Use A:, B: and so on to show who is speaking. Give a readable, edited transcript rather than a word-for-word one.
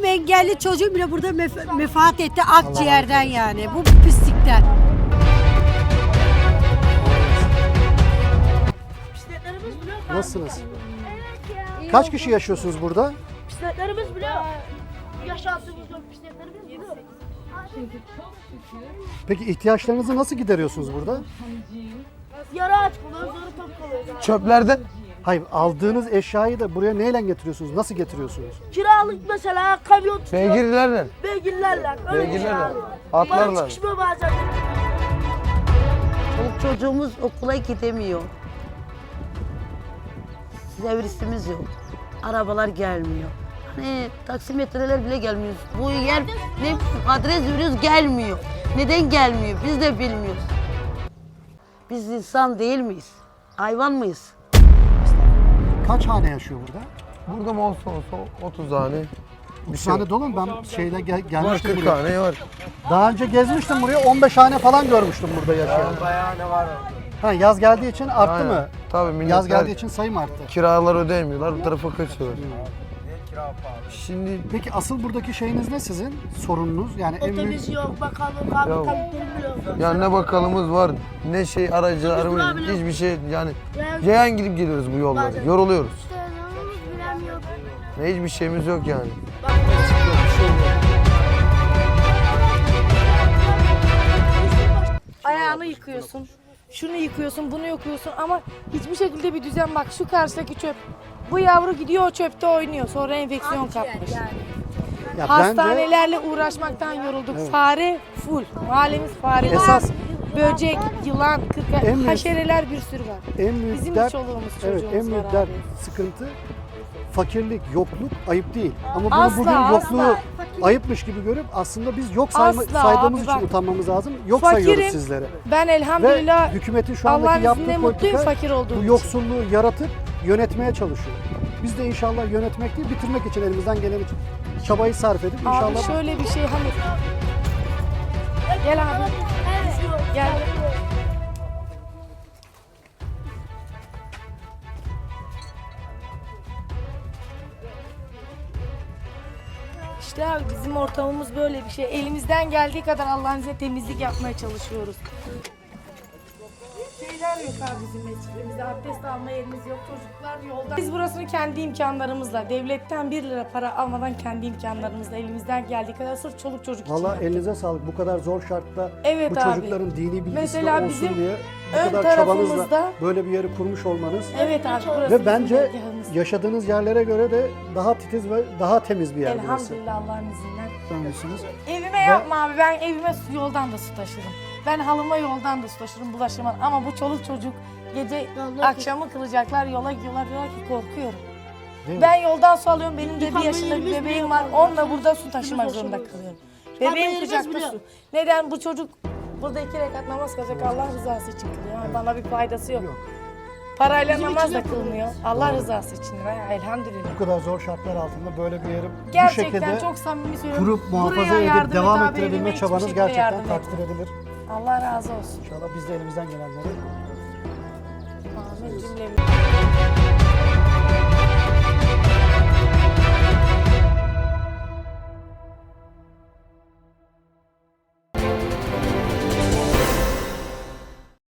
A: Benim engelli çocuğum bile burada vefat etti akciğerden yani. Bu pislikten.
B: Nasılsınız? Kaç kişi yaşıyorsunuz burada?
C: Bisikletlerimiz bile yaşantımız yok. Bisikletlerimiz bile yok.
B: Peki ihtiyaçlarınızı nasıl gideriyorsunuz burada?
C: Yarı aç kalıyoruz, yarı top kalıyoruz.
D: Çöplerden
B: Hayır, aldığınız eşyayı da buraya neyle getiriyorsunuz? Nasıl getiriyorsunuz?
C: Kiralık mesela kamyon tutuyor.
D: beygirlerle,
C: Beygirlerle. Öyle bir şey
D: beygirlerle,
C: abi.
D: atlarla.
C: Bana çıkışmıyor bazen.
E: Çoluk çocuğumuz okula gidemiyor. Servisimiz yok. Arabalar gelmiyor. Hani taksimetreler bile gelmiyor. Bu yer ne adres veriyoruz gelmiyor. Neden gelmiyor? Biz de bilmiyoruz. Biz insan değil miyiz? Hayvan mıyız?
B: Kaç hane yaşıyor burada?
D: Burada mı olsa 30 tane.
B: 30 tane dolu mu? Ben şeyle
D: Var
B: gelmiştim
D: 40
B: buraya.
D: tane var.
B: Daha önce gezmiştim buraya. 15 hane falan görmüştüm burada yaşayan.
D: Bayağı ne var?
B: Ha, yaz geldiği için arttı
D: Aynen.
B: mı?
D: Tabii milletler
B: Yaz geldiği için sayım arttı.
D: kiralar ödeyemiyorlar, bu tarafa kaçıyorlar. Şimdi
B: Peki asıl buradaki şeyiniz ne sizin? Sorununuz? Yani en büyük...
C: Otobüs yok, bakanlık abi,
D: Ya-
C: tabii yok.
D: ya ne bakalımız var, ne şey aracılarımız,
C: durabiliyor.
D: hiçbir şey yani
C: Yani-
D: yayan gidip geliyoruz bu yolları,
C: Bazen.
D: yoruluyoruz.
C: Telefonumuz bile yok.
D: Ne hiçbir şeyimiz yok yani.
F: Ayağını yıkıyorsun, şunu yıkıyorsun, bunu yıkıyorsun ama hiçbir şekilde bir düzen bak. Şu karşıdaki çöp. Bu yavru gidiyor o çöpte oynuyor. Sonra enfeksiyon kapmış.
B: Ya bence
F: Hastanelerle uğraşmaktan yorulduk. Fare full. Mahallemiz fare.
B: Esas-
F: Böcek, yılan,
B: En büyük-
F: haşereler bir sürü var.
B: en büyük
F: Bizim de
B: dert,
F: çoluğumuz,
B: evet,
F: çocuğumuz
B: en büyük
F: var
B: dert,
F: abi.
B: sıkıntı fakirlik, yokluk ayıp değil. Ama bunu
F: Asla,
B: bugün
F: asla.
B: yokluğu ayıpmış gibi görüp aslında biz yok
F: Asla
B: saydığımız
F: abi,
B: için
F: bak.
B: utanmamız lazım. Yok
F: Fakirim.
B: sayıyoruz sizlere.
F: Ben
B: Ve
F: elhamdülillah
B: hükümetin şu
F: Allah'ın
B: andaki
F: izniyle
B: yaptığı
F: mutluyum
B: politika
F: fakir olduğum
B: bu
F: için.
B: yoksulluğu yaratıp yönetmeye çalışıyor. Biz de inşallah yönetmek değil, bitirmek için elimizden gelen için çabayı sarf edip inşallah...
F: Abi şöyle bir şey hani. Gel abi. Gel. İşte abi bizim ortamımız böyle bir şey. Elimizden geldiği kadar Allah'ın izniyle temizlik yapmaya çalışıyoruz. Şeyler yok abi bizim mescidimizde. Abdest alma yerimiz yok. Çocuklar yolda. Biz burasını kendi imkanlarımızla, devletten 1 lira para almadan kendi imkanlarımızla elimizden geldiği kadar sırf çoluk çocuk için
B: Valla
F: yaptık.
B: elinize sağlık. Bu kadar zor şartta
F: Evet
B: bu
F: abi.
B: çocukların dini bilgisi
F: Mesela
B: olsun
F: bizim
B: diye
F: ön
B: bu kadar çabanızla
F: tarafımızda-
B: böyle bir yeri kurmuş olmanız
F: Evet abi burası
B: ve
F: bizim
B: bence
F: dergahımız.
B: yaşadığınız yerlere göre de daha titiz ve daha temiz bir yer burası.
F: Elhamdülillah Allah'ın izniyle.
B: Sanıyorsunuz.
F: Evime yapma abi, ben evime yoldan da su taşırım. Ben halıma yoldan da su taşırım, bulaşırım ama bu çoluk çocuk gece akşamı kılacaklar, yola gidiyorlar, diyorlar ki korkuyorum.
B: Değil mi?
F: Ben yoldan su alıyorum, benim de 1
C: Yıkanma
F: yaşında bir
C: yerimiz bile
F: bebeğim
C: yok
F: var,
C: abi.
F: onunla burada su taşımak
C: Üstümüz
F: zorunda
C: boşalıyor.
F: kalıyorum.
C: Yıkanma
F: Bebeğim
C: yerimiz
F: kucakta
C: bile
F: su.
C: yok.
F: Neden? Bu çocuk burada 2 rekat namaz kılacak, Allah rızası için kılıyor. Yani bana bir faydası yok.
B: Yok.
F: Parayla
C: Bizim
F: namaz
C: için
F: da
C: yapılıyor.
F: kılmıyor, Allah rızası için. Elhamdülillah.
B: Bu kadar zor şartlar altında böyle bir yeri bu
F: Gerçekten
B: şekilde
F: çok samimi söylüyorum.
B: kurup muhafaza
F: Buraya
B: edip
F: yardım et
B: devam
F: abi,
B: ettirebilme
F: elime hiçbir
B: çabanız
F: şekilde
B: gerçekten
F: yardım et.
B: takdir edilir.
F: Allah razı olsun.
B: İnşallah biz de elimizden gelenleri
F: Amin cümlemize.